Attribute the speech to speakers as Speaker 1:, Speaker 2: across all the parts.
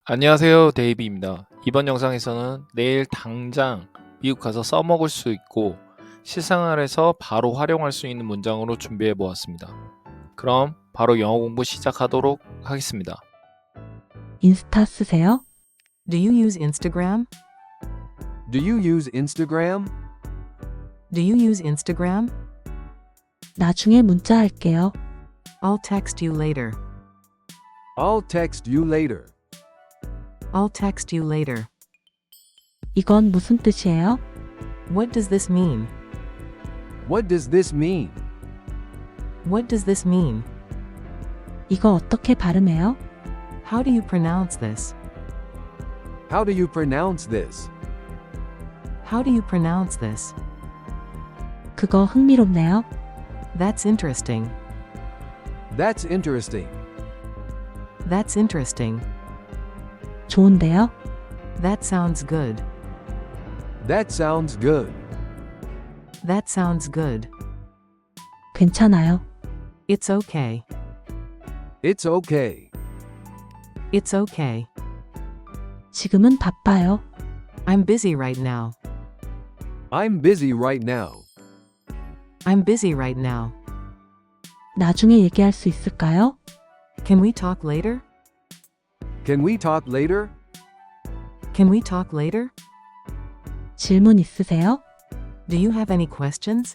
Speaker 1: 안녕하세요, 데이비입니다. 이번 영상에서는 내일 당장 미국 가서 써먹을 수 있고 실생활에서 바로 활용할 수 있는 문장으로 준비해 보았습니다. 그럼 바로 영어 공부 시작하도록 하겠습니다.
Speaker 2: 인스타 쓰세요?
Speaker 3: Do you use Instagram?
Speaker 4: Do you use Instagram?
Speaker 3: Do you use Instagram?
Speaker 2: 나중에 문자할게요.
Speaker 3: I'll text you later.
Speaker 4: I'll text you later.
Speaker 3: I'll text you later.
Speaker 2: 이건 무슨 뜻이에요?
Speaker 3: What does this mean?
Speaker 4: What does this mean?
Speaker 3: What does this mean?
Speaker 2: 이거 어떻게 발음해요?
Speaker 3: How do you pronounce this?
Speaker 4: How do you pronounce this?
Speaker 3: How do you pronounce this?
Speaker 2: 그거 흥미롭네요.
Speaker 3: That's interesting.
Speaker 4: That's interesting.
Speaker 3: That's interesting.
Speaker 2: 좋은데요?
Speaker 3: That sounds good.
Speaker 4: That sounds good.
Speaker 3: That sounds good.
Speaker 2: 괜찮아요.
Speaker 3: It's okay.
Speaker 4: It's okay.
Speaker 3: It's okay.
Speaker 2: 지금은 바빠요.
Speaker 3: I'm busy right now.
Speaker 4: I'm busy right now.
Speaker 3: I'm busy right now.
Speaker 2: 나중에 얘기할 수 있을까요?
Speaker 3: Can we talk later?
Speaker 4: Can we talk later?
Speaker 3: Can we talk later?
Speaker 2: 질문 있으세요?
Speaker 3: Do you have any questions?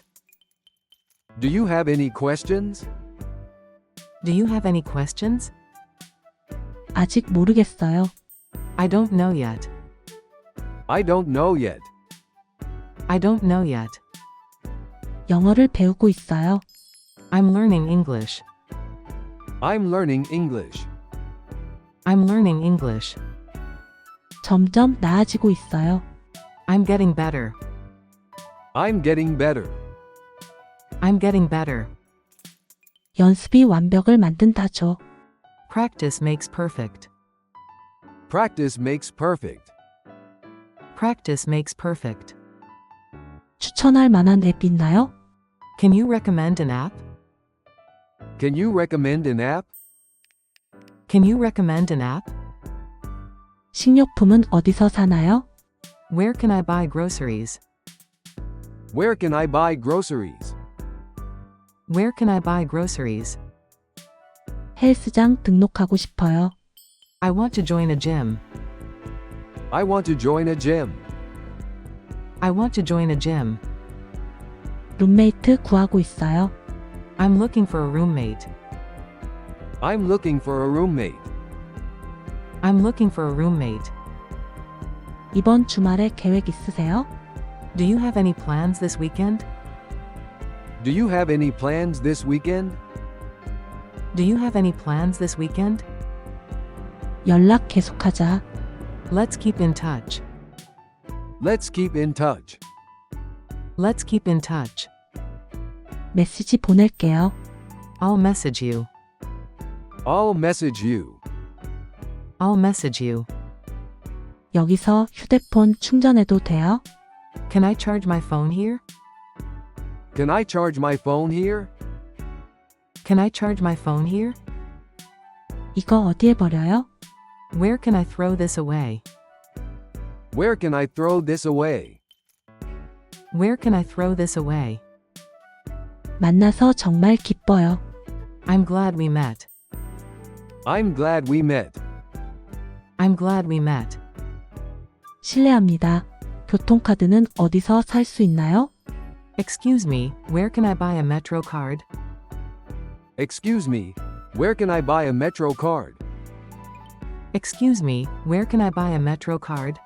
Speaker 4: Do you have any questions?
Speaker 3: Do you have any questions?
Speaker 2: 아직 모르겠어요.
Speaker 3: I don't know yet.
Speaker 4: I don't know yet.
Speaker 3: I don't know yet.
Speaker 2: 영어를 배우고 있어요.
Speaker 3: I'm learning English.
Speaker 4: I'm learning English.
Speaker 3: I'm learning English.
Speaker 2: 점점 나아지고 있어요.
Speaker 3: I'm getting better.
Speaker 4: I'm getting better.
Speaker 3: I'm getting better.
Speaker 2: 연습이 완벽을 만든다죠.
Speaker 3: Practice makes perfect.
Speaker 4: Practice makes perfect.
Speaker 3: Practice makes perfect.
Speaker 2: 추천할 만한 앱 있나요?
Speaker 3: Can you recommend an app?
Speaker 4: Can you recommend an app?
Speaker 3: Can you recommend an app?
Speaker 2: 식료품은 어디서 사나요?
Speaker 3: Where can I buy groceries?
Speaker 4: Where can I buy groceries?
Speaker 3: Where can I buy groceries?
Speaker 2: 헬스장 등록하고 싶어요.
Speaker 3: I want to join a gym.
Speaker 4: I want to join a gym.
Speaker 3: I want to join a gym.
Speaker 2: 룸메이트 구하고 있어요.
Speaker 3: I'm looking for a roommate.
Speaker 4: I'm looking for a roommate.
Speaker 3: I'm looking for a roommate.
Speaker 2: 이번 주말에 계획 있으세요?
Speaker 3: Do you have any plans this weekend?
Speaker 4: Do you have any plans this weekend?
Speaker 3: Do you have any plans this weekend?
Speaker 2: 연락 계속하자.
Speaker 3: Let's keep in touch.
Speaker 4: Let's keep in touch.
Speaker 3: Let's keep in touch.
Speaker 2: 메시지 보낼게요.
Speaker 3: I'll message you.
Speaker 4: I'll message you.
Speaker 3: I'll message you.
Speaker 2: 여기서 휴대폰 충전해도 돼요?
Speaker 3: Can I charge my phone here?
Speaker 4: Can I charge my phone here?
Speaker 3: Can I charge my phone here?
Speaker 2: 이거 어디에 버려요?
Speaker 3: Where can I throw this away?
Speaker 4: Where can I throw this away?
Speaker 3: Where can I throw this away?
Speaker 2: 만나서 정말 기뻐요.
Speaker 3: I'm glad we met.
Speaker 4: I'm glad we met.
Speaker 3: I'm glad we met.
Speaker 2: 실례합니다. 교통카드는 어디서 살 수 있나요?
Speaker 3: Excuse me, where can I buy a Metro card?
Speaker 4: Excuse me, where can I buy a Metro card?
Speaker 3: Excuse me, where can I buy a Metro card?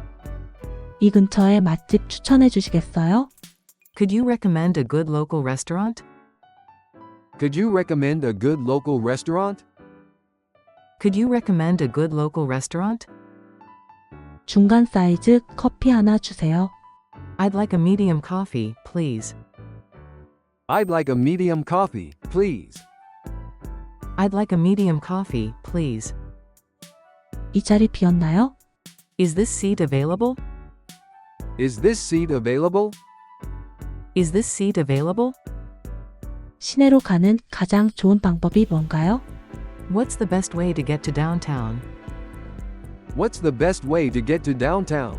Speaker 2: 이 근처에 맛집 추천해 주시겠어요?
Speaker 3: Could you recommend a good local restaurant?
Speaker 4: Could you recommend a good local restaurant?
Speaker 3: Could you recommend a good local restaurant?
Speaker 2: 중간 사이즈 커피 하나 주세요.
Speaker 3: I'd like a medium coffee, please.
Speaker 4: I'd like a medium coffee, please.
Speaker 3: I'd like a medium coffee, please.
Speaker 2: 이 자리 비었나요?
Speaker 3: Is this seat available?
Speaker 4: Is this seat available?
Speaker 3: Is this seat available?
Speaker 2: 시내로 가는 가장 좋은 방법이 뭔가요?
Speaker 3: What's the best way to get to downtown?
Speaker 4: What's the best way to get to downtown?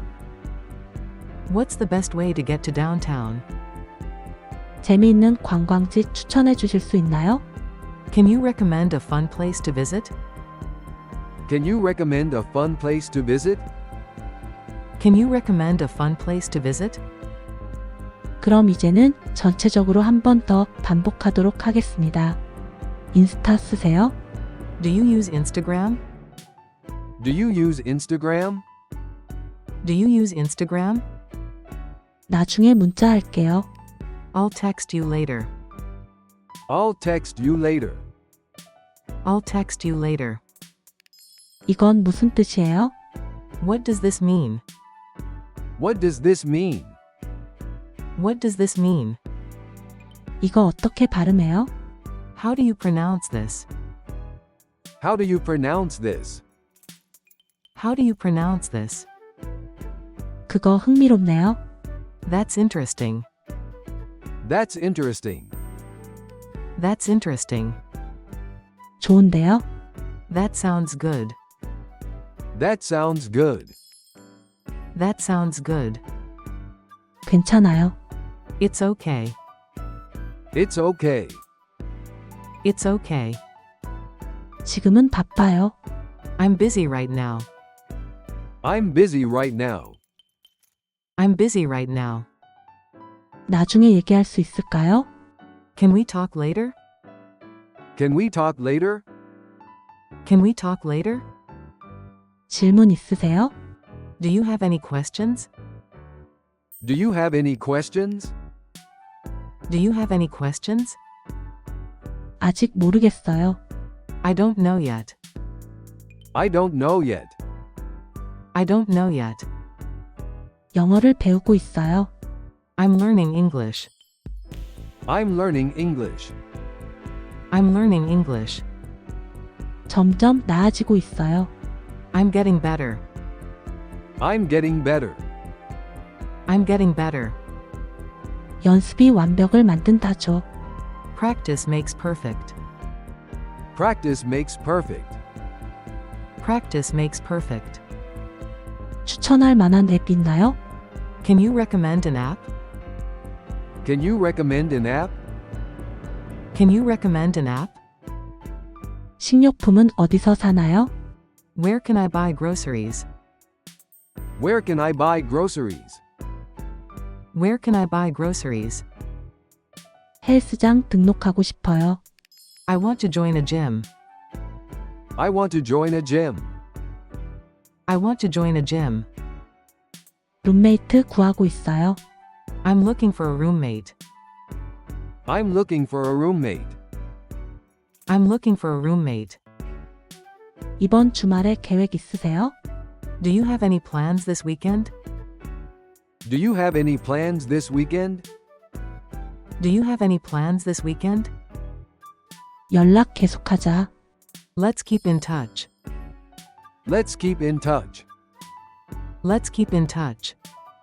Speaker 3: What's the best way to get to downtown?
Speaker 2: 재미있는 관광지 추천해 주실 수 있나요?
Speaker 3: Can you recommend a fun place to visit?
Speaker 4: Can you recommend a fun place to visit?
Speaker 3: Can you recommend a fun place to visit?
Speaker 2: 그럼 이제는 전체적으로 한 번 더 반복하도록 하겠습니다. 인스타 쓰세요?
Speaker 3: Do you use Instagram?
Speaker 4: Do you use Instagram?
Speaker 3: Do you use Instagram?
Speaker 2: 나중에 문자 할게요.
Speaker 3: I'll text you later.
Speaker 4: I'll text you later.
Speaker 3: I'll text you later.
Speaker 2: 이건 무슨 뜻이에요?
Speaker 3: What does this mean?
Speaker 4: What does this mean?
Speaker 3: What does this mean?
Speaker 2: 이거 어떻게 발음해요?
Speaker 3: How do you pronounce this?
Speaker 4: How do you pronounce this?
Speaker 3: How do you pronounce this?
Speaker 2: 그거 흥미롭네요.
Speaker 3: That's interesting.
Speaker 4: That's interesting.
Speaker 3: That's interesting.
Speaker 2: 좋은데요?
Speaker 3: That sounds good.
Speaker 4: That sounds good.
Speaker 3: That sounds good.
Speaker 2: 괜찮아요.
Speaker 3: It's okay.
Speaker 4: It's okay.
Speaker 3: It's okay.
Speaker 2: 지금은 바빠요.
Speaker 3: I'm busy right now.
Speaker 4: I'm busy right now.
Speaker 3: I'm busy right now.
Speaker 2: 나중에 얘기할 수 있을까요?
Speaker 3: Can we talk later?
Speaker 4: Can we talk later?
Speaker 3: Can we talk later?
Speaker 2: 질문 있으세요?
Speaker 3: Do you have any questions?
Speaker 4: Do you have any questions?
Speaker 3: Do you have any questions?
Speaker 2: 아직 모르겠어요.
Speaker 3: I don't know yet.
Speaker 4: I don't know yet.
Speaker 3: I don't know yet.
Speaker 2: 영어를 배우고 있어요.
Speaker 3: I'm learning English.
Speaker 4: I'm learning English.
Speaker 3: I'm learning English.
Speaker 2: 점점 나아지고 있어요.
Speaker 3: I'm getting better.
Speaker 4: I'm getting better.
Speaker 3: I'm getting better.
Speaker 2: 연습이 완벽을 만든다죠.
Speaker 3: Practice makes perfect.
Speaker 4: Practice makes perfect.
Speaker 3: Practice makes perfect.
Speaker 2: 추천할 만한 앱 있나요?
Speaker 3: Can you recommend an app?
Speaker 4: Can you recommend an app?
Speaker 3: Can you recommend an app?
Speaker 2: 식료품은 어디서 사나요?
Speaker 3: Where can I buy groceries?
Speaker 4: Where can I buy groceries?
Speaker 3: Where can I buy groceries?
Speaker 2: 헬스장 등록하고 싶어요.
Speaker 3: I want to join a gym.
Speaker 4: I want to join a gym.
Speaker 3: I want to join a gym.
Speaker 2: 룸메이트 구하고 있어요.
Speaker 3: I'm looking for a roommate.
Speaker 4: I'm looking for a roommate.
Speaker 3: I'm looking for a roommate.
Speaker 2: 이번 주말에 계획 있으세요?
Speaker 3: Do you have any plans this weekend?
Speaker 4: Do you have any plans this weekend?
Speaker 3: Do you have any plans this weekend?
Speaker 2: 연락 계속하자.
Speaker 3: Let's keep in touch.
Speaker 4: Let's keep in touch.
Speaker 3: Let's keep in touch.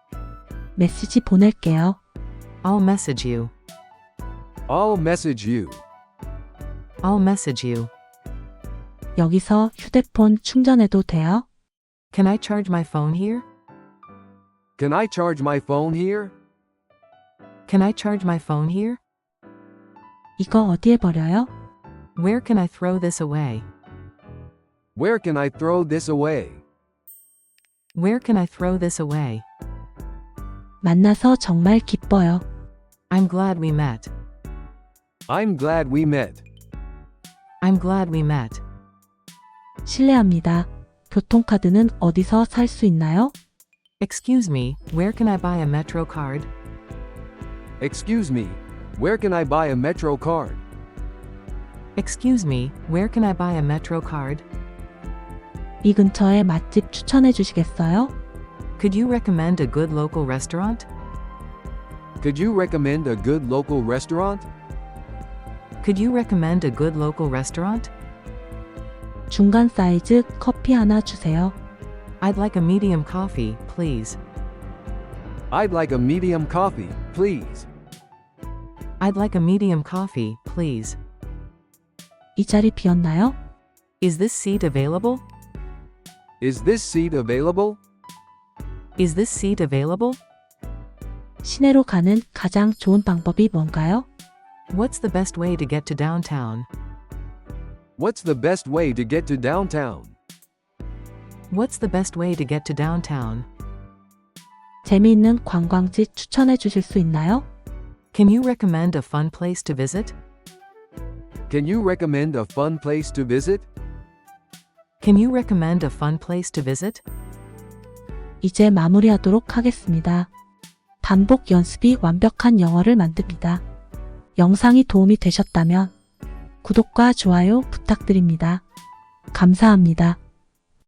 Speaker 2: 메시지 보낼게요.
Speaker 3: I'll message you.
Speaker 4: I'll message you.
Speaker 3: I'll message you.
Speaker 2: 여기서 휴대폰 충전해도 돼요?
Speaker 3: Can I charge my phone here?
Speaker 4: Can I charge my phone here?
Speaker 3: Can I charge my phone here?
Speaker 2: 이거 어디에 버려요?
Speaker 3: Where can I throw this away?
Speaker 4: Where can I throw this away?
Speaker 3: Where can I throw this away?
Speaker 2: 만나서 정말 기뻐요.
Speaker 3: I'm glad we met.
Speaker 4: I'm glad we met.
Speaker 3: I'm glad we met.
Speaker 2: 실례합니다. 교통카드는 어디서 살 수 있나요?
Speaker 3: Excuse me, where can I buy a Metro card?
Speaker 4: Excuse me, where can I buy a Metro card?
Speaker 3: Excuse me, where can I buy a Metro card?
Speaker 2: 이 근처에 맛집 추천해 주시겠어요?
Speaker 3: Could you recommend a good local restaurant?
Speaker 4: Could you recommend a good local restaurant?
Speaker 3: Could you recommend a good local restaurant?
Speaker 2: 중간 사이즈 커피 하나 주세요.
Speaker 3: I'd like a medium coffee, please.
Speaker 4: I'd like a medium coffee, please.
Speaker 3: I'd like a medium coffee, please.
Speaker 2: 이 자리 비었나요?
Speaker 3: Is this seat available?
Speaker 4: Is this seat available?
Speaker 3: Is this seat available?
Speaker 2: 시내로 가는 가장 좋은 방법이 뭔가요?
Speaker 3: What's the best way to get to downtown?
Speaker 4: What's the best way to get to downtown?
Speaker 3: What's the best way to get to downtown?
Speaker 2: 재미있는 관광지 추천해 주실 수 있나요?
Speaker 3: Can you recommend a fun place to visit?
Speaker 4: Can you recommend a fun place to visit?
Speaker 3: Can you recommend a fun place to visit?
Speaker 2: 이제 마무리하도록 하겠습니다. 반복 연습이 완벽한 영어를 만듭니다. 영상이 도움이 되셨다면 구독과 좋아요 부탁드립니다. 감사합니다.